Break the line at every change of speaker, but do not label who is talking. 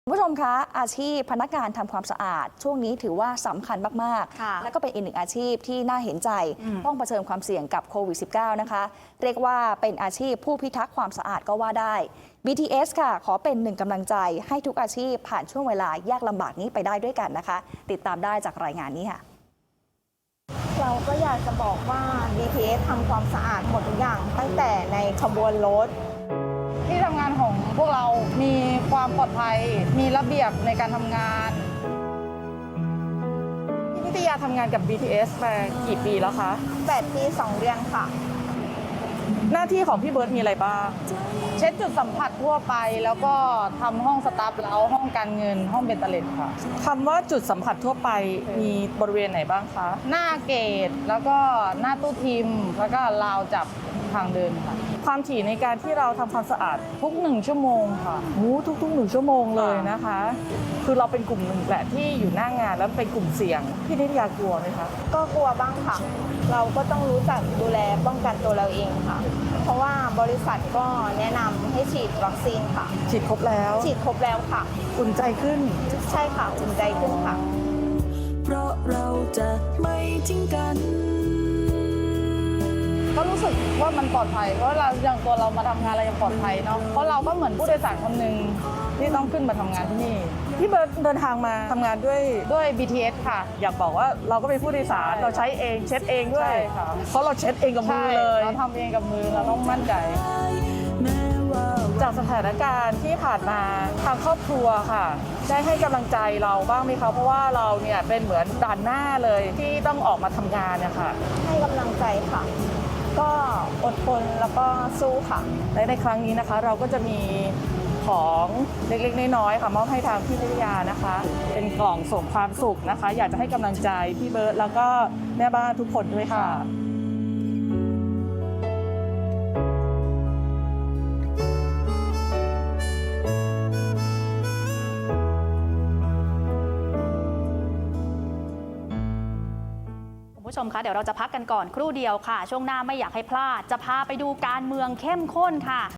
คุณผู้ชมคะอาชีพพนักงานทำความสะอาดช่วงนี้ถือว่าสำคัญมากๆและก็เป็นอีกหนึ่งอาชีพที่น่าเห็นใจต้องเผชิญความเสี่ยงกับโควิด -19 นะคะเรียกว่าเป็นอาชีพผู้พิทักษ์ความสะอาดก็ว่าได้ BTS ค่ะขอเป็นหนึ่งกำลังใจให้ทุกอาชีพผ่านช่วงเวลายากลำบากนี้ไปได้ด้วยกันนะคะติดตามได้จากรายงานนี้ค่ะ
เราก็อยากจะบอกว่า BTS ทำความสะอาดหมดทุกอย่างตั้งแต่ในขบวนรถ
ที่ทำงานของพวกเรามีความปลอดภัยมีระเบียบในการทำงานพี่นิตยาทำงานกับ BTS มากี่ปีแล้วคะ
8 ปี 2 เดือนค่ะ
หน้าที่ของพี่เบิร์ตมีอะไรบ้างเช็ดจุดสัมผัสทั่วไปแล้วก็ทำห้องสตาฟแล้วห้องการเงินห้องเบนเตเลตค่ะคำว่าจุดสัมผัสทั่วไปมีบริเวณไหนบ้างคะหน้าเกตแล้วก็หน้าตู้ทิมแล้วก็ราวจับทางเดินค่ะความถี่ในการที่เราทำความสะอาดทุก1ชั่วโมงค่ะทุก1ชั่วโมงเลยนะคะคือเราเป็นกลุ่มหนึ่งแหละที่อยู่หน้างานแล้วเป็นกลุ่มเสี่ยงพี่นิตยากลัวไหมคะ
ก็กลัวบ้างค่ะเราก็ต้องรู้จักดูแลป้องกันตัวเราเองค่ะเพราะว่าบริษัทก็แนะนำให้ฉีดวัคซีนค่ะ
ฉีดครบแล้ว
ค่ะ
อุ่นใจขึ้น
ใช่ค่ะอุ่นใจขึ้นค่ะ
เพราะเราจะไม่ทิ้งกัน
ก็รู้สึกว่ามันปลอดภัยเพราะเราอย่างตัวเรามาทำงานเรายังปลอดภัยเนาะเพราะเราก็เหมือนผู้โดยสารคนหนึ่งที่ต้องขึ้นมาทำงานที่นี่พี่เบิร์ตเดินทางมาทำงานด้วย BTS ค่ะอยากบอกว่าเราก็เป็นผู้โดยสารเราใช้เองเช็ดเองด้วยเพราะเราเช็ดเองกับมือเลยเราทำเองกับมือเราต้องมั่นใจจากสถานการณ์ที่ผ่านมาทางครอบครัวค่ะได้ให้กำลังใจเราบ้างไหมคะเพราะว่าเราเนี่ยเป็นเหมือนด่านหน้าเลยที่ต้องออกมาทำงานเนี่ยค่ะ
ให้กำลังใจค่ะก็อดทนแล้วก็สู้ค่ะ
และในครั้งนี้นะคะเราก็จะมีของเล็กๆน้อยๆค่ะมอบให้ทางพี่นิตยานะคะเป็นกล่องส่งความสุขนะคะอยากจะให้กำลังใจพี่เบิร์ตแล้วก็แม่บ้านทุกคนด้วยค่ะ
คุณผู้ชมคะเดี๋ยวเราจะพักกันก่อนครู่เดียวค่ะช่วงหน้าไม่อยากให้พลาดจะพาไปดูการเมืองเข้มข้นค่ะ